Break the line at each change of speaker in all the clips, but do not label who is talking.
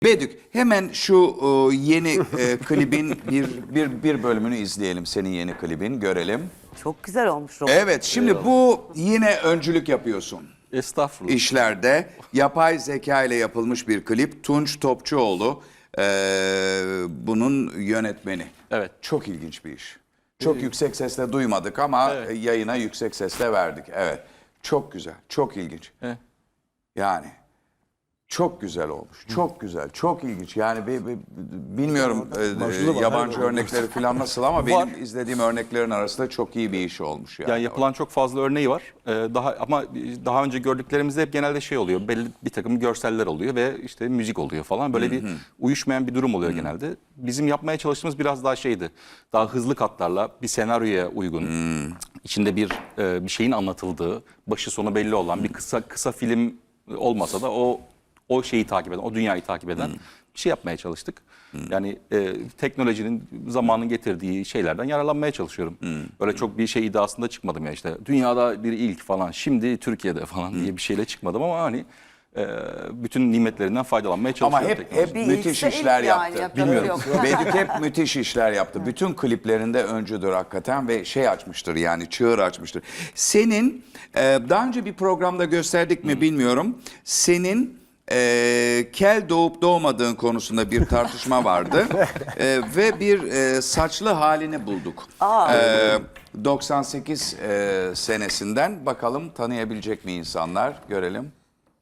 Bedük, hemen şu yeni klibin bir bölümünü izleyelim. Senin yeni klibin görelim.
Çok güzel olmuş Robert.
Evet, şimdi bu yine öncülük yapıyorsun.
Estağfurullah.
İşlerde yapay zeka ile yapılmış bir klip. Tunç Topçuoğlu bunun yönetmeni.
Evet.
Çok ilginç bir iş. Çok yüksek sesle duymadık ama yayına yüksek sesle verdik. Evet. Çok güzel, çok ilginç.
Evet.
Yani çok güzel olmuş. Çok güzel, çok ilginç. Yani bilmiyorum yabancı örnekleri falan nasıl ama benim izlediğim örneklerin arasında çok iyi bir iş olmuş yani.
Yani yapılan çok fazla örneği var. Daha önce gördüklerimizde hep genelde şey oluyor. Belli bir takım görseller oluyor ve işte müzik oluyor falan. Böyle bir uyuşmayan bir durum oluyor genelde. Bizim yapmaya çalıştığımız biraz daha şeydi. Daha hızlı katlarla bir senaryoya uygun. İçinde bir şeyin anlatıldığı, başı sonu belli olan bir kısa film olmasa da o şeyi takip eden, o dünyayı takip eden bir şey yapmaya çalıştık. Yani teknolojinin zamanın getirdiği şeylerden yararlanmaya çalışıyorum. Öyle çok bir şey iddiasında çıkmadım ya işte. Dünyada bir ilk falan, şimdi Türkiye'de falan diye bir şeyle çıkmadım ama hani bütün nimetlerinden faydalanmaya çalışıyorum.
Ama hep müthiş işler yaptı.
Bilmiyorum.
Bedük hep müthiş işler yaptı. Bütün kliplerinde öncüdür hakikaten ve şey açmıştır yani çığır açmıştır. Senin daha önce bir programda gösterdik mi bilmiyorum. Senin kel doğup doğmadığın konusunda bir tartışma vardı ve bir saçlı halini bulduk. 98 senesinden bakalım tanıyabilecek mi insanlar görelim.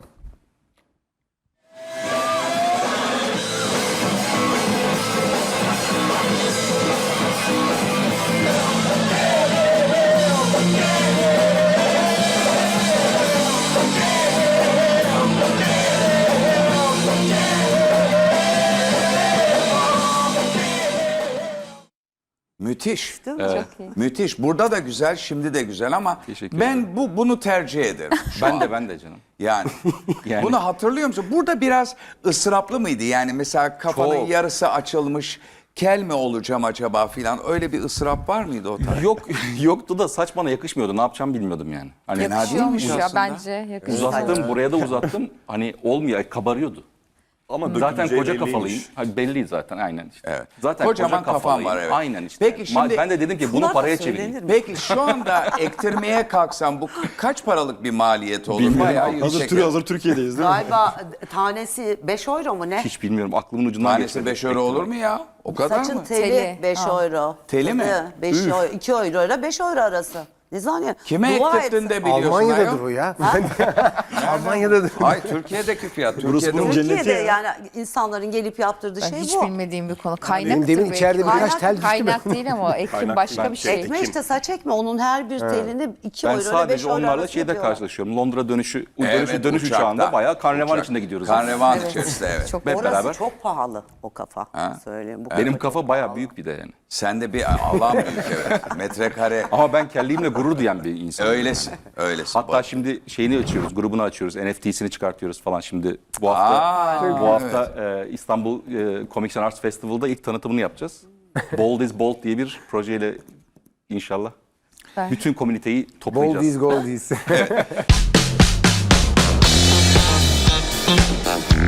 Müthiş.
Evet.
Müthiş. Burada da güzel, şimdi de güzel ama
Teşekkür
ben bunu tercih ederim.
Ben de canım.
Yani,
Yani.
bunu hatırlıyor musun? Burada biraz ısraplı mıydı? Yani mesela kafanın
Çok.
yarısı açılmış, kel mi olacağım acaba filan öyle bir ısrap var mıydı o tarz?
Yoktu da saç bana yakışmıyordu. Ne yapacağım bilmiyordum yani. Hani
Yakışıyormuş
Yakışıyormuş ya
aslında.
bence yakışıyor.
uzattım, buraya da uzattım. Hani olmuyor, kabarıyordu.
Ama
Zaten
döküleceği
koca
belliymiş.
kafalıyım. Hani belli zaten aynen işte.
Evet.
Zaten
Kocaman
koca
kafan
kafalıyım.
var, evet.
Aynen işte.
Peki şimdi-
Ben de dedim ki bunu
Bunlar da
paraya
söylenir
çevireyim.
mi?
Peki şu anda ektirmeye kalksam bu kaç paralık bir maliyet olur?
Bilmiyorum.
Bayağı yüksek.
Hazır Türkiye'deyiz değil mi?
Galiba tanesi 5 euro mu ne?
Hiç bilmiyorum. Aklımın ucundan
Tanesi
geçmedi.
5 euro olur mu ya? O kadar
Saçın
mı?
teli
Teli.
5 euro.
Teli mi?
5 euro, 2 euro ile 5 euro arası. Ne zannediyorsun?
Kime
Dua
ektirdin
et.
de biliyorsun
Almanya'dadır
ayol?
bu ya. Almanya'dadır.
Hayır Türkiye'deki fiyat.
Burası
Türkiye'de
bunun
ucuz.
cenneti
Türkiye'de
ya.
yani insanların gelip yaptırdığı
Ben
şey
hiç
bu.
bilmediğim bir konu. Kaynaktır
Benim demin
belki.
içeride birkaç tel düştü mü?
Kaynak değil ama ekim
Kaynak
başka
değil,
bir şey.
Ekme işte saç ekme. Onun her bir telini 2
Ben
euro ile 5
sadece
euro
onlarla
arası
şeyde
yapıyorlar.
karşılaşıyorum. Londra dönüş
Evet,
uçağında
uçakta.
bayağı karnevan
Uçak.
içinde gidiyoruz.
Karnevan içerisinde evet.
Çok
Hep
Orası
beraber.
çok pahalı o kafa. Söyleyeyim. Bu
Benim kafa bayağı büyük bir de yani.
Sen de bir alan büyük evet. Metrekare.
Ama ben kelliğimle gurur duyan bir insanım.
Öylesin. Öylesin.
Hatta şimdi şeyini açıyoruz, grubunu açıyoruz, NFT'sini çıkartıyoruz falan şimdi. Bu hafta İstanbul Comics and Arts Festival'da ilk tanıtımını yapacağız. Bold is Bold diye bir projeyle inşallah
Ben-
bütün komüniteyi toplayacağız.
Goldies goldies.